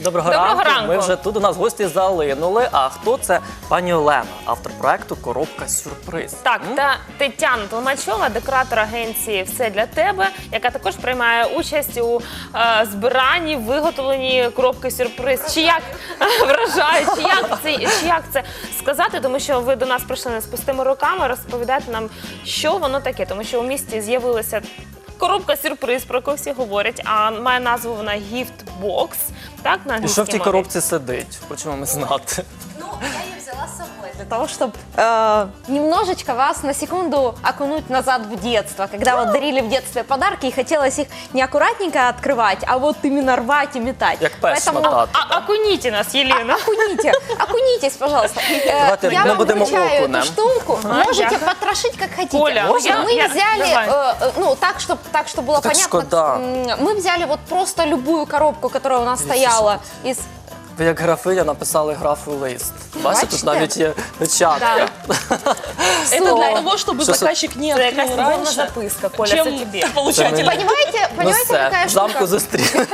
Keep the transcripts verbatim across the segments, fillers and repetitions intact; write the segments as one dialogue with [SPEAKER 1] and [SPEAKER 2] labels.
[SPEAKER 1] Доброго,
[SPEAKER 2] Доброго
[SPEAKER 1] ранку.
[SPEAKER 2] ранку.
[SPEAKER 1] Ми вже тут, у нас гості залинули. А хто це? Пані Олена, автор проекту «Коробка сюрприз».
[SPEAKER 2] Так,
[SPEAKER 1] М?
[SPEAKER 2] та Тетяна Толмачова, декоратор агенції «Все для тебе», яка також приймає участь у е, збиранні, виготовленні коробки сюрприз. Чи як вражає, чи як це, чи як це сказати, тому що ви до нас прийшли не з пустими руками, розповідати нам, що воно таке, тому що у місті з'явилася коробка сюрприз, про яку всі говорять, а має назву вона «Гіфт-бокс». Так, на
[SPEAKER 1] І
[SPEAKER 2] англійській
[SPEAKER 1] що в тій
[SPEAKER 2] мові?
[SPEAKER 1] коробці сидить? Хочемо ми знати.
[SPEAKER 3] Ну, я ее взяла с собой для того, чтобы э, немножечко вас на секунду окунуть назад в детство, когда вот дарили в детстве подарки и хотелось их не аккуратненько открывать, а вот именно рвать и метать.
[SPEAKER 1] Як пес шматати.
[SPEAKER 2] А, окуніть нас, Єлена.
[SPEAKER 3] Окуните, окунитесь, пожалуйста. Э,
[SPEAKER 1] Давайте
[SPEAKER 3] я
[SPEAKER 1] ми
[SPEAKER 3] вам
[SPEAKER 1] будемо
[SPEAKER 3] вручаю
[SPEAKER 1] окунем.
[SPEAKER 3] эту штуку,
[SPEAKER 2] Ага,
[SPEAKER 3] можете
[SPEAKER 2] дякую.
[SPEAKER 3] потрошить как хотите.
[SPEAKER 2] Оля,
[SPEAKER 3] Можно?
[SPEAKER 2] я-
[SPEAKER 3] мы
[SPEAKER 2] я-
[SPEAKER 3] взяли,
[SPEAKER 2] давай.
[SPEAKER 3] э, э, ну так, чтобы так, чтобы было
[SPEAKER 1] Так
[SPEAKER 3] понятно,
[SPEAKER 1] шкода.
[SPEAKER 3] м, мы взяли вот просто любую коробку, которая у нас стояла из...
[SPEAKER 1] Ви як графиня написали графу лист. Бачите, тут
[SPEAKER 3] Бачите?
[SPEAKER 1] навіть є печатка.
[SPEAKER 4] Это
[SPEAKER 3] Слово.
[SPEAKER 4] для того, чтобы
[SPEAKER 1] Что-
[SPEAKER 4] заказчик не
[SPEAKER 2] Це якась
[SPEAKER 4] открыл
[SPEAKER 2] любовна
[SPEAKER 4] раньше,
[SPEAKER 2] записка, Коля, це
[SPEAKER 4] чем
[SPEAKER 2] тобі.
[SPEAKER 4] получатель.
[SPEAKER 1] Это
[SPEAKER 3] Понимаете,
[SPEAKER 1] Ну
[SPEAKER 3] понимаете,
[SPEAKER 1] все,
[SPEAKER 3] какая
[SPEAKER 1] в
[SPEAKER 3] штука?
[SPEAKER 1] замку зустріли.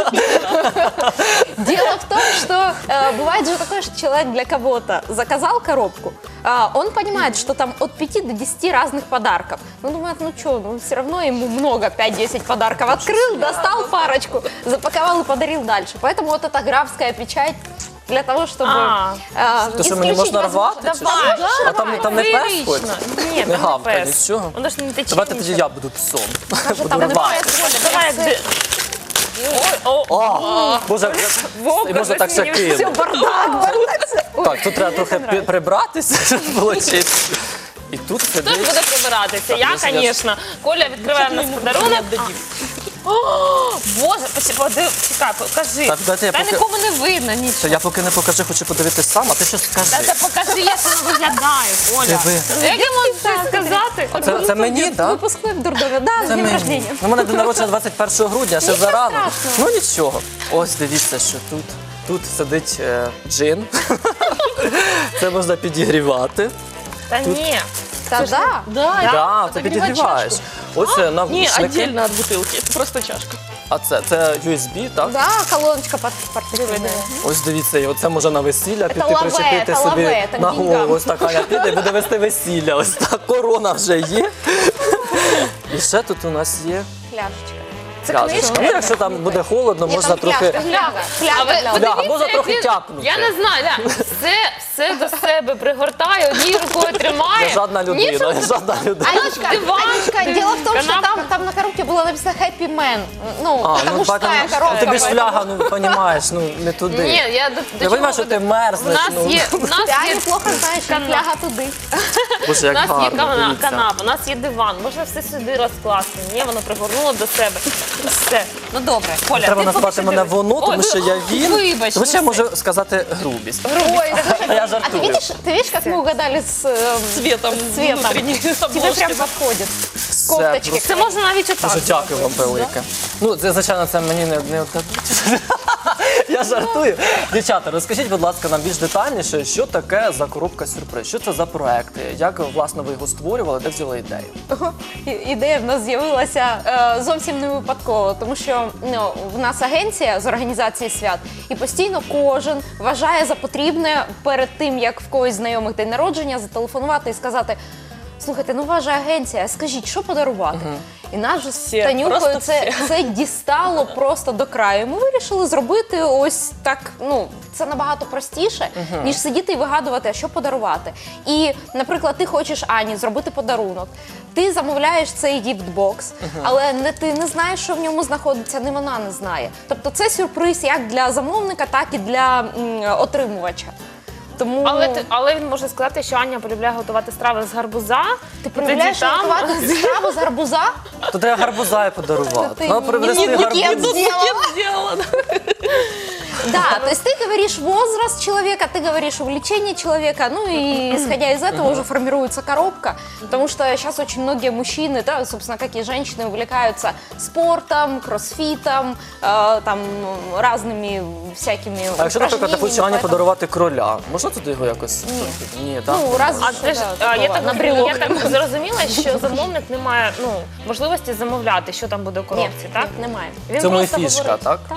[SPEAKER 3] Дело в том, что э, бывает же такое, что человек для кого-то заказал коробку, а он понимает, что там от пяти до десяти разных подарков. Ну, думает, ну что, ну все равно ему много, пять-десять подарков. Открыл, достал парочку, запаковал и подарил дальше. Поэтому вот эта графская печать для того, чтобы
[SPEAKER 2] А,
[SPEAKER 3] э,
[SPEAKER 1] То, що мені
[SPEAKER 3] исключить
[SPEAKER 1] можна
[SPEAKER 3] возможность-
[SPEAKER 1] рвати? чи
[SPEAKER 3] Давай.
[SPEAKER 1] що? А там, там не пес
[SPEAKER 2] Феєрично.
[SPEAKER 1] хоч?
[SPEAKER 2] Ні,
[SPEAKER 1] Не
[SPEAKER 2] там не
[SPEAKER 1] гавка,
[SPEAKER 2] пес.
[SPEAKER 1] нічого.
[SPEAKER 2] Воно ж не тече
[SPEAKER 1] Давайте тоді
[SPEAKER 2] нічого.
[SPEAKER 1] я буду псом.
[SPEAKER 3] Там
[SPEAKER 1] Буду
[SPEAKER 3] не
[SPEAKER 1] рвати.
[SPEAKER 3] пес,
[SPEAKER 2] Давай, як де- Ой, о,
[SPEAKER 1] О, Боже,
[SPEAKER 2] Вовка,
[SPEAKER 1] і можна так ще
[SPEAKER 2] щось мені
[SPEAKER 1] кинути.
[SPEAKER 3] бардак, бардак.
[SPEAKER 1] Так, тут треба трохи пі- прибратися, щоб було чисто. І тут
[SPEAKER 2] Хто ж
[SPEAKER 1] сидить.
[SPEAKER 2] буде прибиратися? Я,
[SPEAKER 1] ну, я ж-
[SPEAKER 2] звісно. Коля відкриває в нас подарунок.
[SPEAKER 4] отдадим.
[SPEAKER 2] О, Боже, поч- подив- чекай, покажи.
[SPEAKER 1] Так, дайте я
[SPEAKER 2] Та
[SPEAKER 1] поки-
[SPEAKER 2] нікому не видно
[SPEAKER 1] Та
[SPEAKER 2] нічого.
[SPEAKER 1] я поки не покажу, хочу подивитись сам, а ти щось
[SPEAKER 2] Та
[SPEAKER 1] скажи.
[SPEAKER 2] це покажи, як воно виглядає, Коля.
[SPEAKER 1] Диви.
[SPEAKER 2] Як я можу це сказати?
[SPEAKER 1] Це, це мені, так?
[SPEAKER 3] Выпускной в дурдоме. Да, с
[SPEAKER 1] Це
[SPEAKER 3] днем
[SPEAKER 1] мені.
[SPEAKER 3] рождения.
[SPEAKER 1] Ну, у мене день народження двадцять першого грудня, ще
[SPEAKER 3] Нічого
[SPEAKER 1] зарано.
[SPEAKER 3] страшного.
[SPEAKER 1] Ну нічого. Ось дивіться, що тут. Тут сидить е, джин. Це можна підігрівати.
[SPEAKER 2] Та ні.
[SPEAKER 3] Да, да.
[SPEAKER 4] Да,
[SPEAKER 1] Так, це
[SPEAKER 4] подогревать
[SPEAKER 1] підігріваєш.
[SPEAKER 4] чашку.
[SPEAKER 1] Ось е,
[SPEAKER 4] Не,
[SPEAKER 1] навушники.
[SPEAKER 4] отдельно от бутылки, это просто чашка.
[SPEAKER 1] А це, це ю ес бі, так?
[SPEAKER 3] Да, колоночка под портфелем.
[SPEAKER 1] Ось дивіться, і оце може на весілля піти
[SPEAKER 3] лаве,
[SPEAKER 1] причепити
[SPEAKER 3] це
[SPEAKER 1] собі
[SPEAKER 3] лаве, це
[SPEAKER 1] на
[SPEAKER 3] к деньгам.
[SPEAKER 1] голову. Ось така я піде і буде вести весілля. Ось так, корона вже є. І ще тут у нас є
[SPEAKER 3] Пляшечка.
[SPEAKER 1] пляшечка. Ну, якщо там буде холодно,
[SPEAKER 3] Ні,
[SPEAKER 1] можна
[SPEAKER 3] там
[SPEAKER 1] трохи...
[SPEAKER 3] пляшка, фляга,
[SPEAKER 2] А
[SPEAKER 3] фляга
[SPEAKER 2] ви
[SPEAKER 3] для
[SPEAKER 2] подивіться,
[SPEAKER 1] Фляга, можна
[SPEAKER 2] як
[SPEAKER 1] трохи
[SPEAKER 2] він-
[SPEAKER 1] тяпнути.
[SPEAKER 2] Я не знаю, Ля, все, все до себе пригортає, однією рукою тримає.
[SPEAKER 1] Я жадна людина, я жадна людина.
[SPEAKER 3] Анечка,
[SPEAKER 2] Диван.
[SPEAKER 3] Анечка, дело в том, что
[SPEAKER 2] Канапка.
[SPEAKER 3] там, там на коробке было написано Happy Man. Ну,
[SPEAKER 1] А,
[SPEAKER 3] это
[SPEAKER 1] ну,
[SPEAKER 3] мужская
[SPEAKER 1] бачимо,
[SPEAKER 3] коробка.
[SPEAKER 1] тобі ж
[SPEAKER 3] поэтому-
[SPEAKER 1] фляга, ну, розумієш, ну, не туди.
[SPEAKER 2] Ні, я до, до
[SPEAKER 1] Я
[SPEAKER 2] чого
[SPEAKER 1] розумію, що
[SPEAKER 2] веду?
[SPEAKER 1] ти мерзнеш,
[SPEAKER 2] У нас
[SPEAKER 1] ну.
[SPEAKER 2] є, у нас
[SPEAKER 3] Я
[SPEAKER 2] є,
[SPEAKER 3] неплохо знаю, что
[SPEAKER 2] Канап.
[SPEAKER 3] фляга туди.
[SPEAKER 1] Боже,
[SPEAKER 2] у
[SPEAKER 1] як
[SPEAKER 2] нас є
[SPEAKER 1] гарно,
[SPEAKER 2] кана-
[SPEAKER 1] дивіться.
[SPEAKER 2] канапа, у нас є диван, можна все сюди розкласти. Ні, воно пригорнуло до себе. Все. Ну добре, Коля,
[SPEAKER 1] Треба
[SPEAKER 2] ти
[SPEAKER 1] назвати
[SPEAKER 2] поки що
[SPEAKER 1] мене
[SPEAKER 2] дивись.
[SPEAKER 1] воно,
[SPEAKER 2] Ой,
[SPEAKER 1] тому що я він.
[SPEAKER 2] Вибач,
[SPEAKER 1] Тому що я
[SPEAKER 2] ну
[SPEAKER 1] можу сказати грубість.
[SPEAKER 3] Ой,
[SPEAKER 1] А я
[SPEAKER 3] а ты
[SPEAKER 1] жартую.
[SPEAKER 3] видишь, ты видишь, как мы угадали с эм,
[SPEAKER 4] Цветом,
[SPEAKER 3] цветом?
[SPEAKER 4] внутренней
[SPEAKER 3] Тебе
[SPEAKER 4] обложки.
[SPEAKER 3] прям подходит.
[SPEAKER 1] Все,
[SPEAKER 3] Кофточки.
[SPEAKER 1] просто
[SPEAKER 2] Це можна навіть отак.
[SPEAKER 1] Дуже дякую вам велике. Ну, це, звичайно, це мені не, не віддадуть. Я жартую. Дівчата, розкажіть, будь ласка, нам більш детальніше, що таке за коробка сюрприз? Що це за проекти? Як, власне, ви його створювали, де взяли ідею?
[SPEAKER 3] І- Ідея в нас з'явилася е, зовсім не випадково, тому що ну, в нас агенція з організації свят, і постійно кожен вважає за потрібне перед тим, як в когось знайомих день народження, зателефонувати і сказати: слухайте, ну ваша агенція, скажіть, що подарувати? І нас же з
[SPEAKER 4] Всі,
[SPEAKER 3] Танюкою
[SPEAKER 4] просто
[SPEAKER 3] це, це дістало просто до краю. Ми вирішили зробити ось так, ну, це набагато простіше, ніж сидіти і вигадувати, а що подарувати. І, наприклад, ти хочеш Ані зробити подарунок. Ти замовляєш цей гіфтбокс, але не ти не знаєш, що в ньому знаходиться, не вона не знає. Тобто це сюрприз як для замовника, так і для м, отримувача. Тому
[SPEAKER 2] Але, ти- але він може сказати, що Аня полюбляє готувати страви з гарбуза.
[SPEAKER 3] ти
[SPEAKER 2] і
[SPEAKER 3] полюбляєш
[SPEAKER 2] тоді там-
[SPEAKER 3] готувати страву з гарбуза?
[SPEAKER 1] То треба гарбуза і подарувати.
[SPEAKER 3] Ти
[SPEAKER 1] Треба
[SPEAKER 3] ні-
[SPEAKER 1] привезти
[SPEAKER 3] ні- букет
[SPEAKER 1] гарбуз.
[SPEAKER 3] сделала.
[SPEAKER 4] Сделала.
[SPEAKER 3] Да, то есть ты говоришь возраст человека, ты говоришь увлечение человека, ну и исходя из этого уже формируется коробка, потому что сейчас очень многие мужчины, да, собственно, как и женщины, увлекаются спортом, кроссфитом, э, там разными всякими
[SPEAKER 1] А якщо, наприклад, я хочу Ані
[SPEAKER 3] поэтому-
[SPEAKER 1] подарувати кроля, можна туди його якось?
[SPEAKER 3] Ні.
[SPEAKER 1] Ні, так?
[SPEAKER 3] Ну, раз
[SPEAKER 2] А ти ж, а, я, так,
[SPEAKER 3] на
[SPEAKER 2] я
[SPEAKER 3] брелок.
[SPEAKER 2] так зрозуміла, що замовник не має ну, можливості замовляти, що там буде в
[SPEAKER 3] Ні,
[SPEAKER 2] коробці, так?
[SPEAKER 3] ні, немає.
[SPEAKER 2] Він
[SPEAKER 1] Це моя
[SPEAKER 2] просто
[SPEAKER 1] фішка,
[SPEAKER 2] говорить-
[SPEAKER 1] так?
[SPEAKER 3] Так.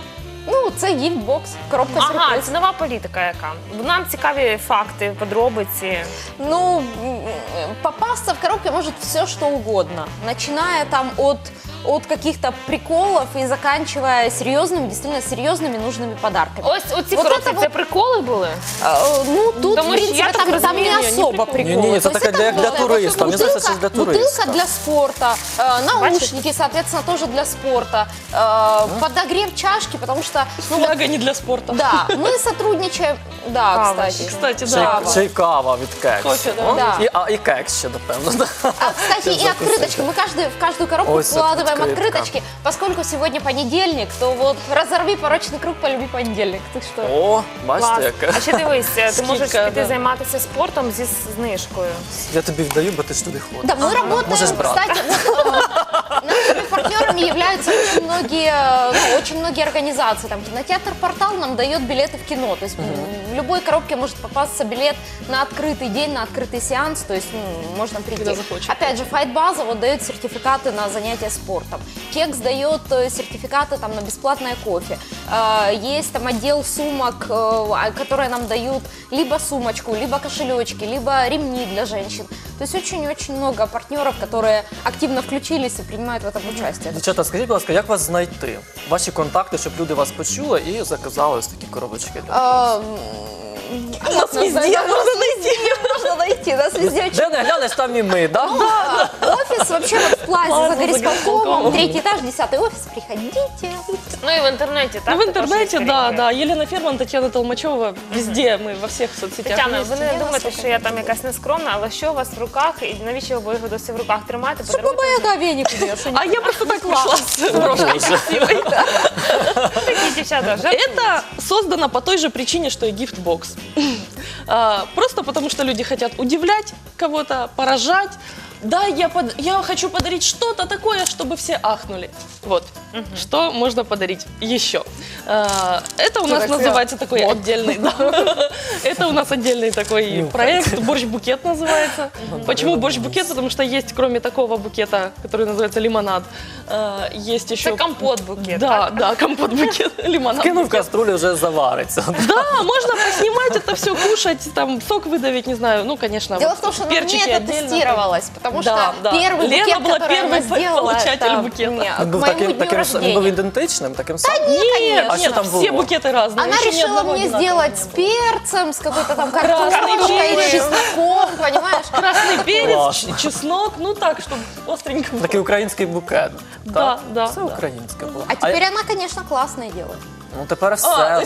[SPEAKER 3] Ну, це гіфтбокс, коробка
[SPEAKER 2] Ага,
[SPEAKER 3] сюрприз.
[SPEAKER 2] це нова політика яка. Нам цікаві факти, подробиці.
[SPEAKER 3] Ну, м, попасться в коробке может все, что угодно. Начиная там от, от каких-то приколов и заканчивая серьезными, действительно серьезными нужными подарками.
[SPEAKER 2] Ось оці
[SPEAKER 3] Вот
[SPEAKER 2] коробки,
[SPEAKER 3] это
[SPEAKER 2] це
[SPEAKER 3] вот-
[SPEAKER 2] приколи були?
[SPEAKER 3] А, ну, тут,
[SPEAKER 2] Потому
[SPEAKER 3] в
[SPEAKER 2] что
[SPEAKER 3] принципе,
[SPEAKER 2] я так
[SPEAKER 3] там, там
[SPEAKER 2] разумею,
[SPEAKER 3] не
[SPEAKER 2] не
[SPEAKER 3] особо
[SPEAKER 2] прикол.
[SPEAKER 3] приколы.
[SPEAKER 1] Не-не-не,
[SPEAKER 3] То
[SPEAKER 1] это
[SPEAKER 3] есть
[SPEAKER 1] такая для- для
[SPEAKER 3] вот
[SPEAKER 1] туриста. Мне
[SPEAKER 3] бутылка,
[SPEAKER 1] кажется, это для туриста.
[SPEAKER 3] бутылка для спорта, э, наушники, соответственно, тоже для спорта, э, подогрев чашки, потому что, ну, вот,
[SPEAKER 4] Фляга не для спорта.
[SPEAKER 3] да, мы сотрудничаем, да,
[SPEAKER 2] Кава.
[SPEAKER 3] кстати.
[SPEAKER 4] Кстати,
[SPEAKER 1] Ще,
[SPEAKER 4] да.
[SPEAKER 1] й- ще й кава від кекс.
[SPEAKER 4] Кофе, да.
[SPEAKER 1] О,
[SPEAKER 3] Да.
[SPEAKER 1] І, а, і кекс ще, напевно. да.
[SPEAKER 3] А, кстати, и открыточки. Мы каждый, в каждую коробку
[SPEAKER 1] Ой,
[SPEAKER 3] вкладываем
[SPEAKER 1] открытка.
[SPEAKER 3] открыточки. Поскольку сегодня понедельник, то вот разорви порочный круг, полюби понедельник. Ты что?
[SPEAKER 1] О, бачите,
[SPEAKER 2] Клас.
[SPEAKER 1] яке.
[SPEAKER 2] А ще дивись, ти можеш
[SPEAKER 4] Скидка,
[SPEAKER 2] піти
[SPEAKER 4] да.
[SPEAKER 2] займатися спортом зі знижкою.
[SPEAKER 1] Я тобі вдаю, бо ти ж туди ходиш.
[SPEAKER 3] Да, мы работаем,
[SPEAKER 1] Можешь брать.
[SPEAKER 3] кстати, вот, э, нашими партнерами являются очень многие, ну, очень многие организации. Там кинотеатр «Портал» нам дает билеты в кино. То есть в любой коробке может попасться билет на открытый день, на открытый сеанс. То есть ну, можно прийти.
[SPEAKER 4] Когда захочешь.
[SPEAKER 3] Опять же, Файтбаза вот дает сертификаты на занятия спортом. Кекс дает э, сертификаты там, на бесплатное кофе. Э, Есть там отдел сумок, э, которые нам дают либо сумочку, либо кошелечки, либо ремни для женщин. То есть очень-очень много партнеров, которые активно включились и принимают в этом участие.
[SPEAKER 1] Дівчата, скажіть, будь ласка, як вас знайти? Ваші контакти, щоб люди вас почули і заказали ось такі коробочки.
[SPEAKER 3] А, м,
[SPEAKER 4] Нас везде можно найти.
[SPEAKER 3] Можно найти, нас везде очень.
[SPEAKER 1] Де не глянеш, там і ми, да?
[SPEAKER 3] А, Офис вообще вот в Плазе
[SPEAKER 4] Плаза
[SPEAKER 3] за
[SPEAKER 4] за
[SPEAKER 3] горисполкомом,
[SPEAKER 4] горисполкомом.
[SPEAKER 3] третий этаж, десятый офис, приходите.
[SPEAKER 2] Ну і в інтернеті, так?
[SPEAKER 4] Ну, в
[SPEAKER 2] також
[SPEAKER 4] интернете,
[SPEAKER 2] є
[SPEAKER 4] да,
[SPEAKER 2] сторінки.
[SPEAKER 4] да. Елена Ферман, Татьяна Толмачева. Везде мы, во всех соцсетях.
[SPEAKER 2] Тетяна,
[SPEAKER 4] есть.
[SPEAKER 2] ви не думаєте, що я там якась нескромна, але що у вас в руках і навіщо ви його досі в руках тримаєте?
[SPEAKER 3] Что
[SPEAKER 2] Подаруйте
[SPEAKER 3] Баба Яга веник убьешь?
[SPEAKER 4] А я просто так пришла с брошкой красивой.
[SPEAKER 2] такі дівчата. жартують.
[SPEAKER 4] Это создано по той же причине, что и гифтбокс. А, Просто потому, что люди хотят удивлять кого-то, поражать. Да, я, под- я хочу подарить что-то такое, чтобы все ахнули. Вот. Что можно подарить еще? А, Это у нас
[SPEAKER 3] так
[SPEAKER 4] называется такой отдельный... да. Это у нас отдельный такой
[SPEAKER 1] Нюхать.
[SPEAKER 4] проект. Борщ-букет называется. Почему борщ-букет? Потому что есть, кроме такого букета, который называется лимонад, а, есть еще...
[SPEAKER 2] Це компот-букет,
[SPEAKER 4] Да,
[SPEAKER 2] так?
[SPEAKER 4] да, компот-букет, лимонад.
[SPEAKER 1] Кинув каструлю, вже завариться.
[SPEAKER 4] Да, можно поснимать это все, кушать, там сок выдавить, не знаю, ну, конечно,
[SPEAKER 3] Дело
[SPEAKER 4] вот
[SPEAKER 3] в том, что на мне
[SPEAKER 4] перчики
[SPEAKER 3] это
[SPEAKER 4] отдельно.
[SPEAKER 3] тестировалось, потому
[SPEAKER 4] Да,
[SPEAKER 3] что
[SPEAKER 4] да.
[SPEAKER 3] первый
[SPEAKER 4] Лена
[SPEAKER 3] букет,
[SPEAKER 4] была
[SPEAKER 3] который она
[SPEAKER 4] первый
[SPEAKER 3] сделала,
[SPEAKER 4] получатель
[SPEAKER 3] это
[SPEAKER 4] букета.
[SPEAKER 3] мне,
[SPEAKER 1] Він
[SPEAKER 3] к
[SPEAKER 1] був
[SPEAKER 3] моему
[SPEAKER 1] таким,
[SPEAKER 3] дню
[SPEAKER 1] таким, він був
[SPEAKER 3] рождения.
[SPEAKER 1] ідентичним, таким самим?
[SPEAKER 4] Нет,
[SPEAKER 3] конечно.
[SPEAKER 1] А что
[SPEAKER 4] нет,
[SPEAKER 1] там
[SPEAKER 4] все
[SPEAKER 1] было?
[SPEAKER 4] букеты разные.
[SPEAKER 3] Она
[SPEAKER 4] еще ни
[SPEAKER 3] решила
[SPEAKER 4] одного
[SPEAKER 3] мне
[SPEAKER 4] одинакового
[SPEAKER 3] сделать
[SPEAKER 4] не
[SPEAKER 3] с
[SPEAKER 4] было.
[SPEAKER 3] перцем, с какой-то там
[SPEAKER 4] Красный
[SPEAKER 3] картошкой,
[SPEAKER 4] перец.
[SPEAKER 3] с чесноком, понимаешь?
[SPEAKER 4] Красный перец,
[SPEAKER 1] Классно.
[SPEAKER 4] ч- чеснок, ну так, чтобы остренько было.
[SPEAKER 1] Такий український букет.
[SPEAKER 4] Да,
[SPEAKER 1] так?
[SPEAKER 4] да,
[SPEAKER 1] Все
[SPEAKER 4] да.
[SPEAKER 1] українське було.
[SPEAKER 3] А теперь она, конечно, классное делает.
[SPEAKER 1] Ну тепер все.
[SPEAKER 4] А,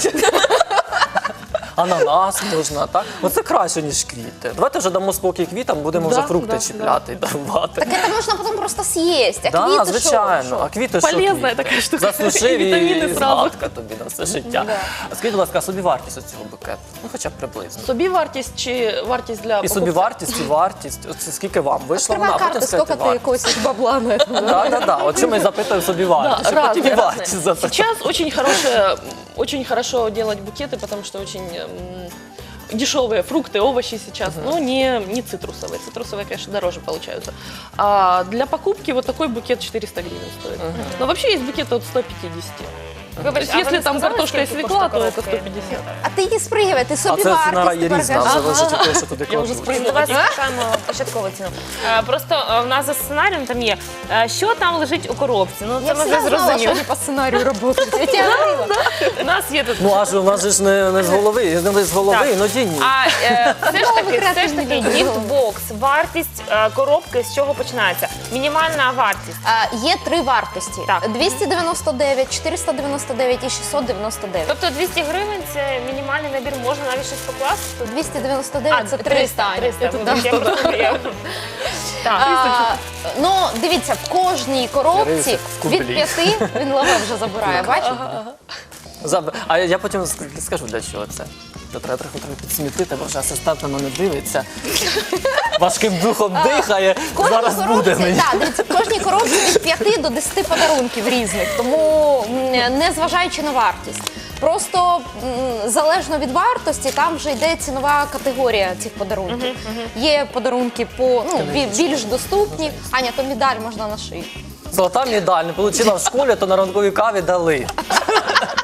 [SPEAKER 1] Ананас можна, так? Оце краще, ніж квіти. Давайте вже дамо спокій квітам, будемо
[SPEAKER 4] Да,
[SPEAKER 1] вже фрукти
[SPEAKER 4] да,
[SPEAKER 1] чіпляти і дарувати.
[SPEAKER 3] Так это можно потом просто съесть. А
[SPEAKER 1] Да,
[SPEAKER 3] квиты
[SPEAKER 1] звичайно.
[SPEAKER 3] шо?
[SPEAKER 1] А квіти що
[SPEAKER 4] Полезна
[SPEAKER 1] квіти?
[SPEAKER 4] така штука.
[SPEAKER 1] Заслужив
[SPEAKER 4] І
[SPEAKER 1] і,
[SPEAKER 4] вітаміни
[SPEAKER 1] і
[SPEAKER 4] зразу.
[SPEAKER 1] згадка тобі на все життя.
[SPEAKER 3] Да.
[SPEAKER 1] А скажіть, будь ласка, собівартість цього букету? Ну хоча б приблизно.
[SPEAKER 4] Собівартість чи вартість для
[SPEAKER 1] І собівартість, і вартість. Оце скільки вам вийшло вона,
[SPEAKER 3] Открывай
[SPEAKER 1] а потім
[SPEAKER 3] карты, сколько
[SPEAKER 1] скажете
[SPEAKER 3] ты
[SPEAKER 1] вартість.
[SPEAKER 3] косишь бабла на это.
[SPEAKER 1] Так, так, так. От чому я запитую собівартість, щоб потім і вартість запитати.
[SPEAKER 4] Сейчас очень хорошее, очень хорошо делать букеты, потому что очень м, дешевые фрукты, овощи сейчас, но не, не цитрусовые. Цитрусовые, конечно, дороже получаются. А для покупки вот такой букет четыреста гривен стоит. Но вообще есть букеты от ста пятидесяти.
[SPEAKER 2] Вибач,
[SPEAKER 4] То есть,
[SPEAKER 2] а ви
[SPEAKER 4] если
[SPEAKER 2] не
[SPEAKER 4] там
[SPEAKER 2] сказали,
[SPEAKER 4] картошка и
[SPEAKER 2] скільки
[SPEAKER 4] свекла,
[SPEAKER 2] коштує
[SPEAKER 4] то это
[SPEAKER 2] коробки?
[SPEAKER 4] сто пятьдесят.
[SPEAKER 3] А ты не спрыгивай, ты
[SPEAKER 1] А це ціна
[SPEAKER 3] собівартість.
[SPEAKER 1] є
[SPEAKER 3] ти
[SPEAKER 1] різна,
[SPEAKER 3] покажи.
[SPEAKER 1] залежить від того, що туди
[SPEAKER 4] Я вже
[SPEAKER 1] кладуть.
[SPEAKER 4] сприйняла.
[SPEAKER 2] Давай запитаємо початкову ціну. Е, Просто е, в нас за сценарієм там є, е, що там лежить у коробці. Ну, це
[SPEAKER 3] Я
[SPEAKER 2] ми вже
[SPEAKER 3] всегда знала, что
[SPEAKER 2] зрозуміли.
[SPEAKER 3] они по сценарию работают. Я тебе говорила.
[SPEAKER 2] У нас є тут.
[SPEAKER 1] Ну аж у нас же ж не, не з голови, не з голови,
[SPEAKER 2] Так.
[SPEAKER 1] іноді ні.
[SPEAKER 2] А е, все ж таки, все ж
[SPEAKER 3] креативні
[SPEAKER 2] таки
[SPEAKER 3] люди.
[SPEAKER 2] гіфтбокс, вартість е, коробки з чого починається? Мінімальна вартість.
[SPEAKER 3] А, Є три вартості.
[SPEAKER 2] Так.
[SPEAKER 3] двісті дев'яносто дев'ять, чотириста дев'яносто дев'ять і шістсот дев'яносто дев'ять.
[SPEAKER 2] Тобто двісті гривень це мінімальний набір, можна навіть щось покласти?
[SPEAKER 3] двісті дев'яносто дев'ять це триста.
[SPEAKER 2] триста.
[SPEAKER 3] Аня.
[SPEAKER 2] триста,
[SPEAKER 3] Да.
[SPEAKER 2] вибач, я просто- я- Так.
[SPEAKER 3] А, Ну, дивіться, в кожній коробці
[SPEAKER 1] в кублі.
[SPEAKER 3] від п'яти, він лаве вже забирає, бачите?
[SPEAKER 1] Заб- А я потім ск- скажу, для чого це. То треба трохи трохи підсмітити, бо вже асистент на мене дивиться. Важким духом дихає.
[SPEAKER 3] В кожній
[SPEAKER 1] Зараз буде
[SPEAKER 3] коробці,
[SPEAKER 1] мені.
[SPEAKER 3] так, дивіться, в кожній коробці від п'яти до десяти подарунків різних, тому м, не зважаючи на вартість. Просто м, залежно від вартості, там вже йде цінова категорія цих подарунків. Є подарунки по ну, бі- більш доступні. Аня, то медаль можна на шиї.
[SPEAKER 1] Золота медаль не отримала в школі, то на ранковій каві дали.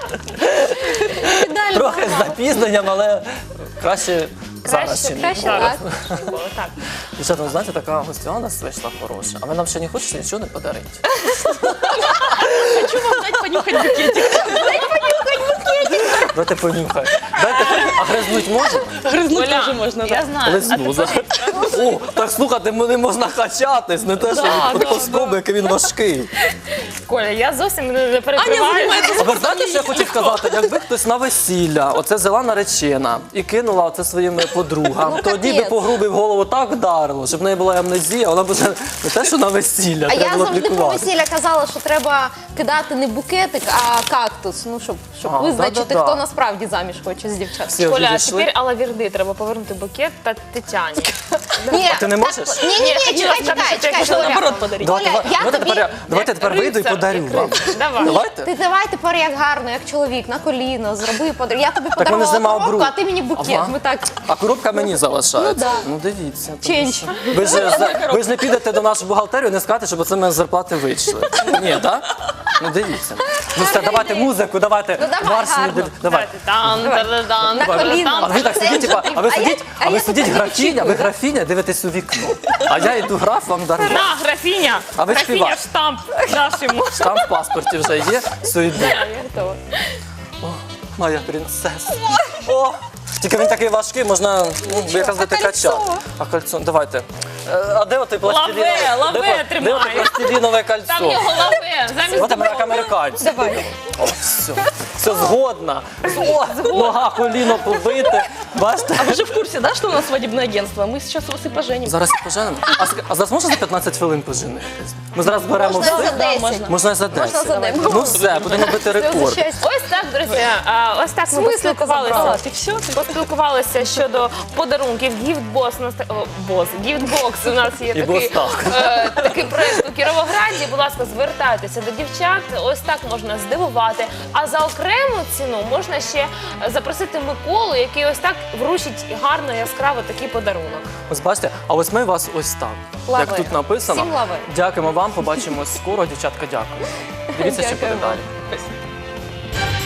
[SPEAKER 3] Ідеально.
[SPEAKER 1] Трохи з запізненням, але краще зараз,
[SPEAKER 2] Краще,
[SPEAKER 1] чи ні.
[SPEAKER 3] краще
[SPEAKER 2] зараз.
[SPEAKER 3] так.
[SPEAKER 2] Було так.
[SPEAKER 1] Дівчата, ви знаєте, така гостя у нас вийшла хороша. А ви нам ще не хочете нічого не подарити?
[SPEAKER 4] Хочу вам дать понюхать букетик.
[SPEAKER 1] Дайте понюхай. Дайте, а гризнуть можна?
[SPEAKER 4] Грызнуть
[SPEAKER 2] Оля,
[SPEAKER 4] тоже можно, да.
[SPEAKER 2] я знаю.
[SPEAKER 1] Лисну. за- О, так слухайте, не можна качатись, не те, що
[SPEAKER 4] Да,
[SPEAKER 1] від
[SPEAKER 4] да,
[SPEAKER 1] плоскоби, який він важкий.
[SPEAKER 2] Коля, я зовсім не не
[SPEAKER 4] Аня
[SPEAKER 2] переживаю.
[SPEAKER 4] занимается
[SPEAKER 1] А ви знаєте, що я хотів сказати? Якби хтось на весілля, оце взяла наречена і кинула оце своїм подругам,
[SPEAKER 3] Ну,
[SPEAKER 1] тоді би
[SPEAKER 3] капець.
[SPEAKER 1] по грубі в голову так вдарило, щоб в неї була амнезія, вона б вже не те, що на весілля,
[SPEAKER 3] А я
[SPEAKER 1] треба було
[SPEAKER 3] завжди про
[SPEAKER 1] лікувати.
[SPEAKER 3] весілля казала, що треба кидати не букетик, а кактус. Ну, щоб, щоб
[SPEAKER 1] А,
[SPEAKER 3] визначити,
[SPEAKER 1] да-да-да.
[SPEAKER 3] хто насправді заміж хоче з дівчат.
[SPEAKER 1] Всі
[SPEAKER 2] Коля, а
[SPEAKER 1] відійшли.
[SPEAKER 2] тепер Алла Вірди, треба повернути букет та Тетяні.
[SPEAKER 3] Ні,
[SPEAKER 1] ти не можеш?
[SPEAKER 3] Ні, ні, ні, чекай, чекай, чекай,
[SPEAKER 4] Можно
[SPEAKER 3] Оля.
[SPEAKER 4] наоборот подарить.
[SPEAKER 1] Давайте,
[SPEAKER 3] Оля,
[SPEAKER 1] давайте,
[SPEAKER 3] я
[SPEAKER 1] давайте,
[SPEAKER 3] тобі-
[SPEAKER 1] тепер, я- давайте тепер вийду і
[SPEAKER 2] Рицар
[SPEAKER 1] подарю
[SPEAKER 2] і
[SPEAKER 1] вам.
[SPEAKER 2] крицар. Давай.
[SPEAKER 1] Давайте?
[SPEAKER 3] Ти давай тепер як гарно, як чоловік, на коліно, зроби подарунок. Я тобі
[SPEAKER 1] мене ж
[SPEAKER 3] подарувала
[SPEAKER 1] нема
[SPEAKER 3] коробку,
[SPEAKER 1] обру.
[SPEAKER 3] а ти мені букет.
[SPEAKER 1] Ага.
[SPEAKER 3] Ми так.
[SPEAKER 1] А коробка мені залишається.
[SPEAKER 3] Ну, да.
[SPEAKER 1] Ну дивіться. тому
[SPEAKER 3] Ченч.
[SPEAKER 1] що- Ви ж, за- ви ж не підете до нашої бухгалтерії і не скажете, щоб оце мене з зарплати вийшли. Ні, так? Ну дивіться. Ну все, давайте музику, давайте.
[SPEAKER 3] Ну, давай,
[SPEAKER 1] марш
[SPEAKER 3] гарно.
[SPEAKER 1] не- Давай.
[SPEAKER 2] Тан, тан,
[SPEAKER 3] На коліно.
[SPEAKER 1] А ви так сидіть, типа, а ви
[SPEAKER 3] А я-
[SPEAKER 1] сидіть,
[SPEAKER 3] а
[SPEAKER 1] а ви
[SPEAKER 3] я
[SPEAKER 1] сидіть
[SPEAKER 3] тут
[SPEAKER 1] графіня, ви
[SPEAKER 3] очікую, да?
[SPEAKER 1] графіня дивитесь у вікно. А я йду граф вам дарую.
[SPEAKER 2] На, графіня.
[SPEAKER 1] А ви
[SPEAKER 2] Графіня,
[SPEAKER 1] співаєте.
[SPEAKER 2] штамп даш йому.
[SPEAKER 1] Там в паспорті вже є, все йде.
[SPEAKER 2] Я готова.
[SPEAKER 1] Моя принцеса. О, тільки він такий важкий, можна ну, якраз дати качати. А кольцо, давайте. Е, А де оте пластилінове?
[SPEAKER 2] Лаве, лаве
[SPEAKER 1] де,
[SPEAKER 2] тримай.
[SPEAKER 1] Де оте пластилінове
[SPEAKER 2] Там
[SPEAKER 1] кольцо?
[SPEAKER 2] його лаве, замість
[SPEAKER 1] От як американці.
[SPEAKER 3] Давай.
[SPEAKER 1] О, все. Все згодна. О, нога, коліно побите. Бачите?
[SPEAKER 4] А вы же в курсе, да, что у нас свадебное агентство? Мы сейчас вас и поженим.
[SPEAKER 1] Зараз і поженемо. А, ск- а зараз можна за п'ятнадцять хвилин поженитись? Ми зараз беремо
[SPEAKER 3] Можна
[SPEAKER 1] все.
[SPEAKER 3] за десять.
[SPEAKER 4] можна.
[SPEAKER 1] Можна і за
[SPEAKER 3] Можна
[SPEAKER 1] десять.
[SPEAKER 3] за десять.
[SPEAKER 1] Ну все, будемо бити
[SPEAKER 3] Це за
[SPEAKER 1] рекорд.
[SPEAKER 3] щастя.
[SPEAKER 2] Ось так, друзі. а, Ось так ми
[SPEAKER 3] смислі ти
[SPEAKER 2] поспілкувалися.
[SPEAKER 3] забрала?
[SPEAKER 4] Ты все? Ты...
[SPEAKER 2] Поспілкувалися щодо подарунків. Гіфтбокс у нас та- о, бос, гіфтбокс у нас є
[SPEAKER 1] І
[SPEAKER 2] такий,
[SPEAKER 1] бос-так.
[SPEAKER 2] е, такий проект у Кіровограді. Будь ласка, звертайтеся до дівчат. Ось так можна здивувати. А за окрему ціну можна ще запросити Миколу, який ось так вручить гарно, яскраво такий подарунок.
[SPEAKER 1] Ось бачите, а ось ми вас ось так.
[SPEAKER 3] Лави.
[SPEAKER 1] Як тут написано.
[SPEAKER 3] Всім лави.
[SPEAKER 1] Дякуємо вам, побачимось скоро. Дівчатка, дякую. Дивіться, що буде
[SPEAKER 3] Дякую вам.
[SPEAKER 1] далі.